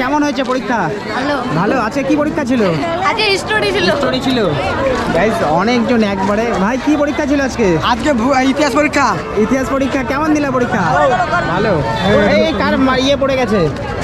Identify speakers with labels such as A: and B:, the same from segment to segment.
A: কেমন হয়েছে পরীক্ষা?
B: ভালো।
A: ভালো। আজকে কি পরীক্ষা ছিল?
B: আজকে হিস্টোরি ছিল।
A: হিস্টোরি ছিল। গাইস অনেকজন একবারে। ভাই কি পরীক্ষা ছিল আজকে?
C: আজকে ইতিহাস পরীক্ষা।
A: ইতিহাস পরীক্ষা কেমন দিলা পরীক্ষা? ভালো। এই কার ইয়ে পড়ে গেছে?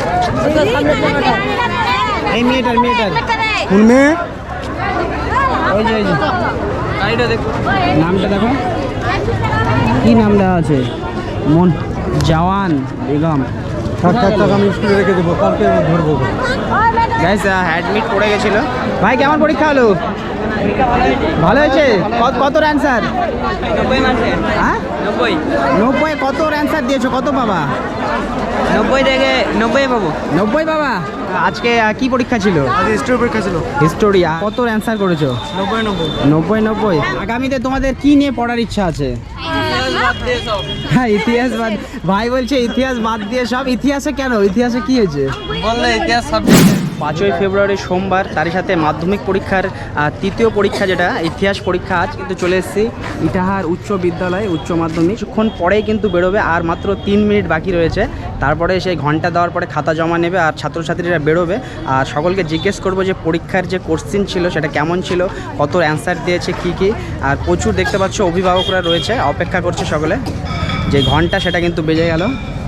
A: এই মেয়েটার
C: কোন মেয়ে?
A: ওই যে গাড়িটা দেখো, নামটা দেখো, কি নাম দেওয়া আছে? মন জওয়ান বেগম।
C: আমি স্কুলে রেখে দেবো, কালকে ধরবো।
A: গাইস অ্যাডমিট পড়ে গেছিল। ভাই কেমন পরীক্ষা হলো? ভালো হয়েছে। কত অ্যান্সার?
D: 90 মাসে।
A: হ্যাঁ
D: 90
A: 90 কত অ্যান্সার দিয়েছো? কত বাবা?
D: 90 থেকে 90 পাবো।
A: 90 বাবা। আজকে কি পরীক্ষা ছিল?
C: আজকে হিস্ট্রি পরীক্ষা ছিল।
A: হিস্টোরি। কত অ্যান্সার করেছো? 90। আগামীতে তোমাদের কি নিয়ে পড়ার ইচ্ছা আছে? হ্যাঁ ইতিহাস বাদ। ভাই বলছে ইতিহাস বাদ দিয়ে সব। ইতিহাসে কেন? ইতিহাসে কি হয়েছে?
D: বললে ইতিহাস সাবজেক্ট
A: 5ই ফেব্রুয়ারি সোমবার, তারই সাথে মাধ্যমিক পরীক্ষার তৃতীয় পরীক্ষা যেটা ইতিহাস পরীক্ষা আজ কিন্তু চলে এসেছি ইটাহার উচ্চ বিদ্যালয় উচ্চ মাধ্যমিক। কিছুক্ষণ পরেই কিন্তু বেরোবে, আর মাত্র 3 মিনিট বাকি রয়েছে। তারপরে সেই ঘন্টা দেওয়ার পরে খাতা জমা নেবে আর ছাত্রছাত্রীরা বেরোবে। আর সকলকে জিজ্ঞেস করবো যে পরীক্ষার যে কোশ্চিন ছিল সেটা কেমন ছিল, কত অ্যান্সার দিয়েছে, কি। আর প্রচুর দেখতে পাচ্ছ অভিভাবকরা রয়েছে, অপেক্ষা করছে সকলে। যে ঘন্টা সেটা কিন্তু বেজে গেল।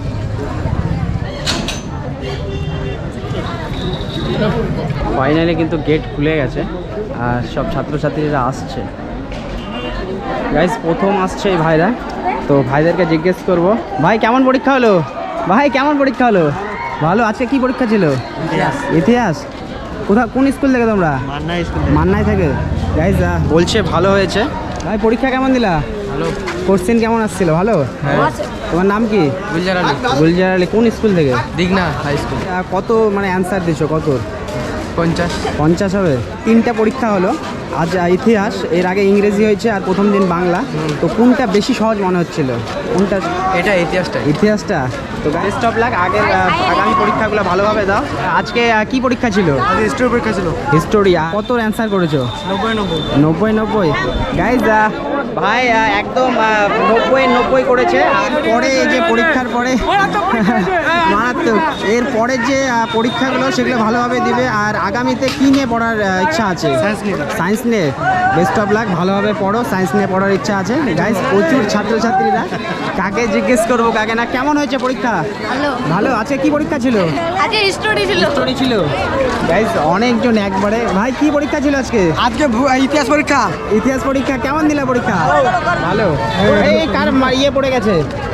A: ফাইনালি কিন্তু গেট খুলে গেছে আর সব ছাত্রছাত্রীরা আসছে। গাইস প্রথম আসছে এই ভাইরা, তো ভাইদেরকে জিজ্ঞেস করব, ভাই কেমন পরীক্ষা হলো? ভাই কেমন পরীক্ষা হলো? ভালো। আজকে কি পরীক্ষা ছিল? ইতিহাস। কোন স্কুল থেকে তোমরা? মান্নাই থেকে। গাইস বলছে ভালো হয়েছে। ভাই পরীক্ষা কেমন দিলা?
D: ভালো।
A: কোশ্চেন কেমন আসছিল? ভালো। তোমার নাম কি?
D: গুলজার আলী।
A: গুলজার আলী। কোন স্কুল থেকে?
D: Dighna high school.
A: কত মানে অ্যান্সার দিছো? কত?
D: 50
A: হবে। 3টা পরীক্ষা হলো আজ। ইতিহাস, এর আগে ইংরেজি হয়েছে আর প্রথম দিন বাংলা। তো কোনটা বেশি সহজ মনে হচ্ছিল? কোনটা?
D: এটা
A: ইতিহাসটা। তো বেস্ট অফ লাক। আগামী পরীক্ষাগুলো ভালোভাবে দাও। আজকে কি পরীক্ষা ছিল?
C: আজকে হিস্ট্রি পরীক্ষা ছিল।
A: হিস্টোরি। কত অ্যান্সার করেছো?
C: 90।
A: গাইজ ভাই একদম 90 করেছে। আর পরে এই যে পরীক্ষার পরে মারাত্মক, এর পরে যে পরীক্ষাগুলো সেগুলো ভালোভাবে দিবে। আর আগামীতে কি নিয়ে পড়ার ইচ্ছা আছে? সায়েন্স নিয়ে। বেস্ট অফ লাক, ভালোভাবে পড়ো। সায়েন্স নিয়ে পড়ার ইচ্ছা আছে। গাইজ প্রচুর ছাত্রছাত্রীরা, কাকে জিজ্ঞেস করবো কাকে না। কেমন হয়েছে পরীক্ষা? ভালো। আজকে কি পরীক্ষা ছিল?
B: আজকে হিস্টোরি ছিল।
A: হিস্টোরি ছিল। গাইজ অনেকজন একবারে। ভাই কি পরীক্ষা ছিল আজকে?
C: আজকে ইতিহাস পরীক্ষা।
A: ইতিহাস পরীক্ষা কেমন দিলা পরীক্ষা? ভালো। এই কার ইয়ে পড়ে গেছে?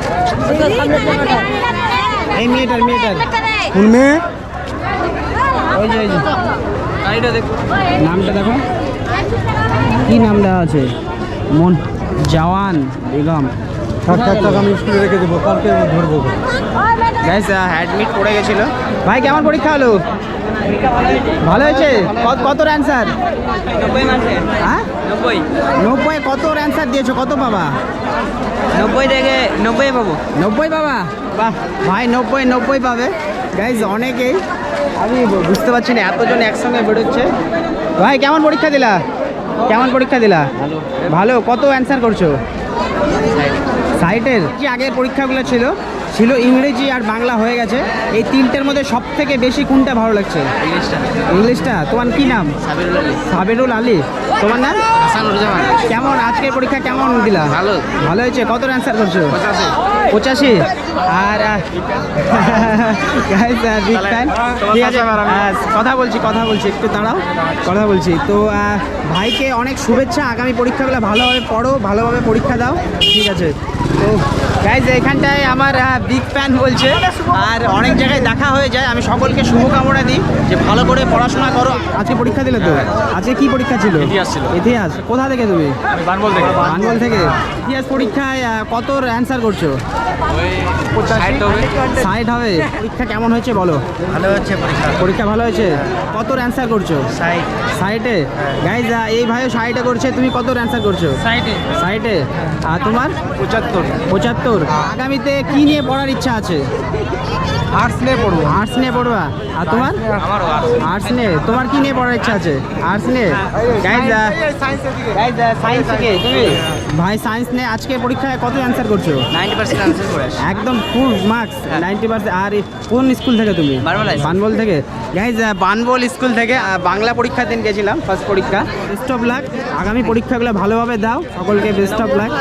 A: এই মেয়েটার।
C: কোন মেয়ে?
A: ওই যে
D: গাড়িটা দেখো,
A: নামটা দেখো, কি নাম দেওয়া আছে? মন জওয়ান বেগম।
C: আমি স্কুলে রেখে দেবো, কালকে ধরবো।
A: গাইস অ্যাডমিট পড়ে গেছিল। ভাই কেমন পরীক্ষা হলো? ভালো হয়েছে। কত অ্যান্সার?
D: 90 মাসে।
A: হ্যাঁ
D: 90
A: কত অ্যান্সার দিয়েছো? কত বাবা?
D: 90 থেকে 90 পাবো।
A: 90 বাবা। বাহ ভাই 90 পাবে। গাইজ অনেকেই, আমি বুঝতে পারছি না এতজন একসঙ্গে বেরোচ্ছে। ভাই কেমন পরীক্ষা দিলা? ভালো। কত অ্যান্সার করছো? সাইটের যে আগের পরীক্ষাগুলো ছিল ইংরেজি আর বাংলা হয়ে গেছে। এই 3টের মধ্যে সব থেকে বেশি কোনটা ভালো লাগছে? ইংলিশটা। তোমার কি নাম? সাবিরুল আলী। তোমার নাম? কেমন আজকের পরীক্ষা কেমন দিলা? ভালো হয়েছে। কত অ্যান্সার করছো? 85। আর ঠিক আছে, কথা বলছি একটু দাঁড়াও, কথা বলছি। তো ভাইকে অনেক শুভেচ্ছা। আগামী পরীক্ষাগুলো ভালোভাবে পড়ো, ভালোভাবে পরীক্ষা দাও। ঠিক আছে। তো গাইজ এখানটায় আমার বিগ ফ্যান বলছে, আর অনেক জায়গায় দেখা হয়ে যায়। আমি সকলকে শুভকামনা দিই যে ভালো করে পড়াশোনা করো। আজকে পরীক্ষা দিলে তো? আজকে কি পরীক্ষা ছিল? ইতিহাস। কোথা থেকে তুমি? বানবল থেকে। ইতিহাস পরীক্ষায় কত অ্যান্সার করছো? 60 হবে। পরীক্ষা কেমন হয়েছে বলো?
D: ভালো হচ্ছে
A: পরীক্ষা ভালো হয়েছে। কত অ্যান্সার করছো? 60। গাইজ এই ভাইও 60 করছে। তুমি কত অ্যান্সার করছো? 60। আর তোমার? 75। আগামীতে কি নিয়ে পড়ার ইচ্ছা আছে?
C: আর্টস নিয়ে পড়বো।
A: আর্টস নিয়ে পড়বা। আর তোমার?
D: আমারও
A: আর্টস নিয়ে। তোমার কি নিয়ে পড়ার ইচ্ছা আছে? আর্টস নিয়ে। গাইজ সায়েন্স থেকে তুমি? ভাই সায়েন্স নিয়ে আজকে পরীক্ষায় কত অ্যান্সার করছো?
D: 90% আনসার করে আসি।
A: একদম ফুল মার্কস 90%। আর কোন স্কুল থেকে তুমি?
D: বানবল হাই স্কুল।
A: বানবল থেকে। গাইজ বানবল স্কুল থেকে বাংলা পরীক্ষার দিন গেছিলাম, ফার্স্ট পরীক্ষা। বেস্ট অফ লাক, আগামী পরীক্ষাগুলো ভালোভাবে দাও, সকলকে বেস্ট অফ লাক।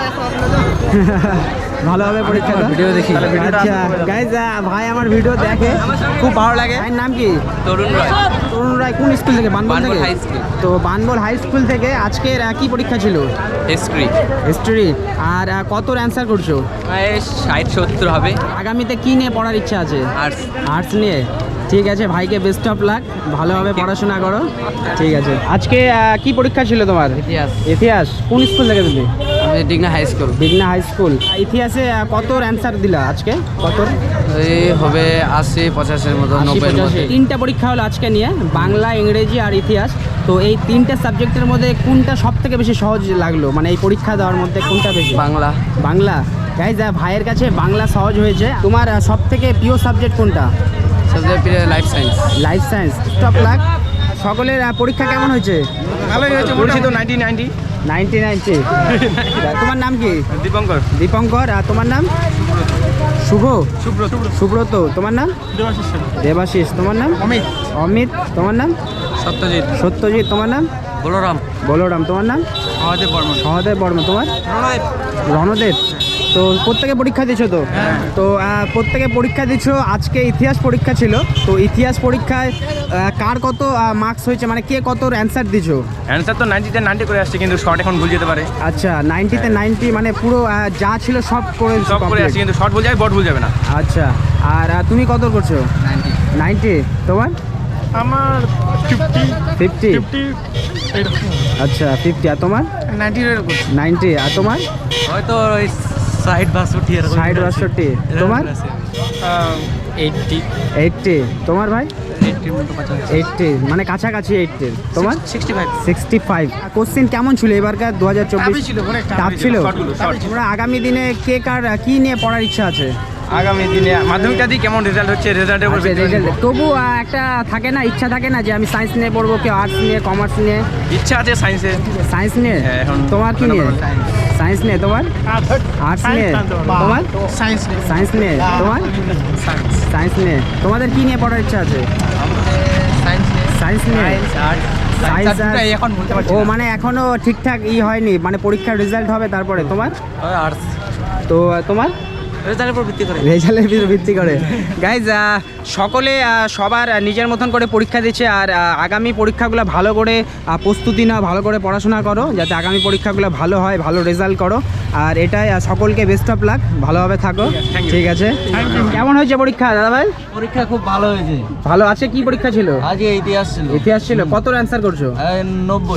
A: ভালোভাবে পরীক্ষা দাও।
C: ভিডিও দেখি।
A: আচ্ছা গাইজ ভাই আমার ভিডিও দেখে, খুব ভালো লাগে। ভাইয়ের নাম কি?
D: তরুণ রয়।
A: তরুণ রায়। কোন স্কুল থেকে? বানবল
D: বানবল
A: থেকে।
D: High school.
A: তো বানবল হাই স্কুল থেকে আজকের কি পরীক্ষা ছিল?
D: হিস্ট্রি।
A: হিস্ট্রি। আর কত অ্যান্সার করছো?
D: 60-70 হবে।
A: আগামীতে কি নিয়ে পড়ার ইচ্ছা আছে?
D: আর্টস।
A: আর্টস নিয়ে। ঠিক আছে, ভাইকে বেস্ট অফ লাক, ভালোভাবে পড়াশোনা করো। ঠিক আছে। আজকে কি পরীক্ষা ছিল তোমার?
D: ইতিহাস।
A: ইতিহাস। কোন স্কুল থেকে তুমি?
D: আমি Digna high school.
A: Bighna high school. ইতিহাসে কত অ্যান্সার দিলা আজকে? কত?
D: এই হবে 80-85-এর মতো, 90-এর মধ্যে।
A: তিনটা পরীক্ষা হলো আজকে নিয়ে, বাংলা, ইংরেজি আর ইতিহাস। তো এই তিনটা সাবজেক্টের মধ্যে কোনটা সব থেকে বেশি সহজ লাগলো, মানে এই পরীক্ষা দেওয়ার মধ্যে কোনটা বেশি?
D: বাংলা।
A: বাংলা। গাইজ ভাইয়ের কাছে বাংলা সহজ হয়েছে। তোমার সব থেকে প্রিয় সাবজেক্ট কোনটা?
D: সবচেয়ে প্রিয় life science.
A: Life science. Top luck. সকলের পরীক্ষা কেমন হয়েছে?
C: ভালোই হয়েছে, বলছি তো 90-90।
A: 90-90। তোমার নাম কি?
C: দীপঙ্কর।
A: দীপঙ্কর। আর তোমার নাম? শুভ।
C: সুব্রত।
A: সুব্রত। তোমার নাম? দেবাশিস। তোমার নাম?
C: অমিত।
A: অমিত। তোমার নাম?
D: সত্যজিৎ।
A: সত্যজিৎ। তোমার নাম?
D: বলরাম।
A: বলরাম। তোমার নাম?
C: আমাদের বর্মন।
A: সহদেব বর্মা। তোমার? রণদেব। তো প্রত্যেকে পরীক্ষা দিচ্ছ তো? তো প্রত্যেকে পরীক্ষা দিচ্ছ। আজকে ইতিহাস পরীক্ষা ছিল। তো ইতিহাস পরীক্ষায় কার কত মার্কস হয়েছে, মানে কে কত অ্যান্সার দিচ্ছ?
C: অ্যান্সার তো 90-তে 90 করে আসছে, কিন্তু শর্ট এখন ভুল যেতে পারে।
A: আচ্ছা, 90-তে 90, মানে পুরো যা ছিল সব করে
C: সব করে আসছে, কিন্তু শর্ট ভুল যাবে, বট ভুল যাবে না।
A: আচ্ছা। আর তুমি কত করছো? 90। তোমার?
C: আমার
A: 50। আচ্ছা 50। আর তোমার? 90। আর তোমার?
D: হয়তো 60-62 এরকম।
A: 60-62। তোমার? 80। তোমার ভাই? 80, মানে কাছাকাছি 80। তোমার? 65। কোশ্চেন কেমন ছিল এবারকার 2024? টাফ ছিল। তোমরা আগামী দিনে কে কার কি নিয়ে পড়ার ইচ্ছা আছে?
C: আগামী দিনে মাধ্যমিকটা দিয়ে কেমন রেজাল্ট হচ্ছে, রেজাল্টের উপর ভিত্তি করে নিবো।
A: তবু একটা থাকে না, ইচ্ছা থাকে না যে আমি সায়েন্স নিয়ে পড়বো, কেউ আর্টস নিয়ে, কমার্স নিয়ে।
C: ইচ্ছা আছে সায়েন্সে।
A: সায়েন্স নিয়ে।
C: হ্যাঁ, এখন
A: তোমার কি নিয়ে? সায়েন্স নিয়ে। তোমার? আর্টস নিয়ে। তোমার? সায়েন্স নিয়ে। তোমার? সায়েন্স নিয়ে। তোমাদের কি নিয়ে পড়ার ইচ্ছা আছে? সায়েন্স নিয়ে। সায়েন্স আর
D: এখন বলতে পারছি
A: ও,
D: না।
A: মানে এখনো ঠিকঠাক হয়নি, মানে পরীক্ষার রেজাল্ট হবে তারপরে। তোমার?
D: আর্টস।
A: তো তোমার?
D: রেজাল্টের উপর ভিত্তি করে।
A: রেজাল্টের উপর ভিত্তি করে। গাইজ সকলে সবার নিজের মতন করে পরীক্ষা দিচ্ছে। আর আগামী পরীক্ষাগুলো ভালো করে প্রস্তুতি নাও, ভালো করে পড়াশোনা করো, যাতে আগামী পরীক্ষাগুলো ভালো হয়, ভালো রেজাল্ট করো। আর এটাই সকলকে বেস্ট অফ লাক, ভালোভাবে থাকো। ঠিক আছে। কেমন হয়েছে পরীক্ষা দাদা ভাই?
D: পরীক্ষা খুব ভালো হয়েছে।
A: ভালো আছে। কি পরীক্ষা ছিল?
D: আজকে ইতিহাস ছিল।
A: ইতিহাস ছিল। কত অ্যান্সার করছো?
D: 90।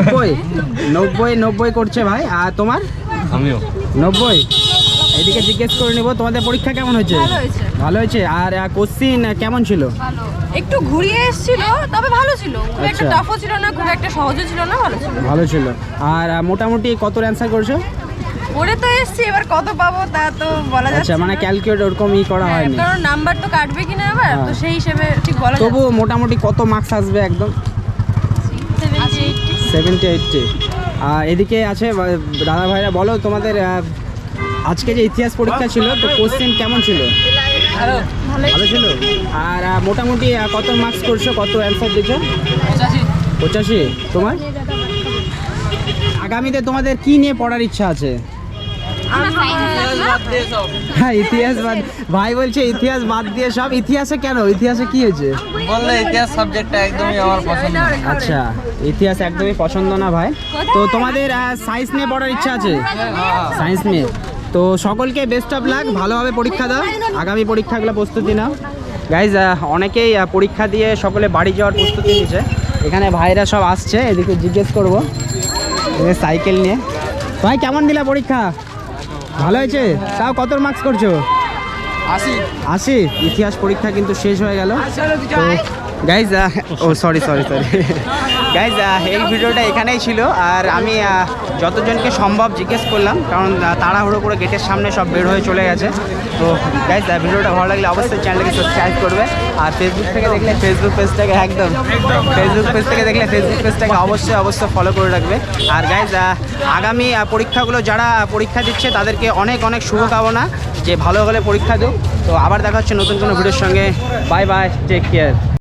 A: 90 করছে ভাই। আর তোমার?
D: আমিও
A: 90। এদিকে জিজ্ঞেস করে নিব, তোমাদের পরীক্ষা কেমন হয়েছে?
B: ভালো হয়েছে।
A: ভালো হয়েছে। আর কোশ্চিন কেমন ছিল?
B: ভালো, একটু ঘুরিয়ে এসেছিল, তবে ভালো ছিল। খুব একটা
A: আচ্ছা।
B: টাফও ছিল না, খুব একটা সহজও ছিল না, ভালো ছিল।
A: ভালো ছিল। আর মোটামুটি কত অ্যান্সার করছো?
B: পড়ে তো এসেছি, এবার কত পাবো তা তো বলা যাচ্ছে
A: আচ্ছা, মানে
B: না।
A: ক্যালকুলেট ওরকম করা
B: হ্যাঁ,
A: হয়নি।
B: কারণ নাম্বার তো কাটবে কিনা এবার, তো সেই হিসেবে ঠিক বলা যাচ্ছে
A: তবু মোটামুটি কত মার্কস আসবে একদম? 70-80। আর এদিকে আছে দাদা ভাইরা, বলো তোমাদের আজকে যে ইতিহাস পরীক্ষা ছিল, তো কোশ্চেন কেমন ছিল? ভালো ছিল। আর মোটামুটি কত মার্কস করছো, কত অ্যান্সার দিচ্ছ? 85। তোমার? আগামীতে তোমাদের কি নিয়ে পড়ার ইচ্ছা আছে? হ্যাঁ, ইতিহাস বাদ। ভাই বলছে ইতিহাস বাদ দিয়ে সব। ইতিহাসে কেন? ইতিহাসে কি হয়েছে?
D: বললে ইতিহাস সাবজেক্টটা একদমই আমার পছন্দ না।
A: আচ্ছা, ইতিহাস একদমই পছন্দ না ভাই। তো তোমাদের সায়েন্স নিয়ে পড়ার ইচ্ছা আছে? সায়েন্স নিয়ে। তো সকলকে বেস্ট অফ লাক, ভালোভাবে পরীক্ষা দাও, আগামী পরীক্ষাগুলো প্রস্তুতি নাও। গাইজ অনেকেই পরীক্ষা দিয়ে সকলে বাড়ি যাওয়ার প্রস্তুতি নিচ্ছে। এখানে ভাইরা সব আসছে, এদিকে জিজ্ঞেস করবো সাইকেল নিয়ে। ভাই কেমন দিলা পরীক্ষা? ভালো হয়েছে। তাও কত মার্কস করছো? 80। ইতিহাস পরীক্ষা কিন্তু শেষ হয়ে গেল। তো গাইজ সরি গাইজ, এই ভিডিওটা এখানেই ছিল। আর আমি যতজনকে সম্ভব জিজ্ঞেস করলাম, কারণ তাড়াহুড়ো করে গেটের সামনে সব বের হয়ে চলে গেছে। তো গাইজ ভিডিওটা ভালো লাগলে অবশ্যই চ্যানেলটাকে সাবস্ক্রাইব করবে, আর ফেসবুক থেকে দেখলে ফেসবুক পেজটাকে অবশ্যই ফলো করে রাখবে। আর গাইজ আগামী পরীক্ষাগুলো যারা পরীক্ষা দিচ্ছে তাদেরকে অনেক অনেক শুভকামনা, যে ভালো হলে পরীক্ষা দিও। তো আবার দেখা হচ্ছে নতুন কোনো ভিডিওর সঙ্গে। Bye bye, take care.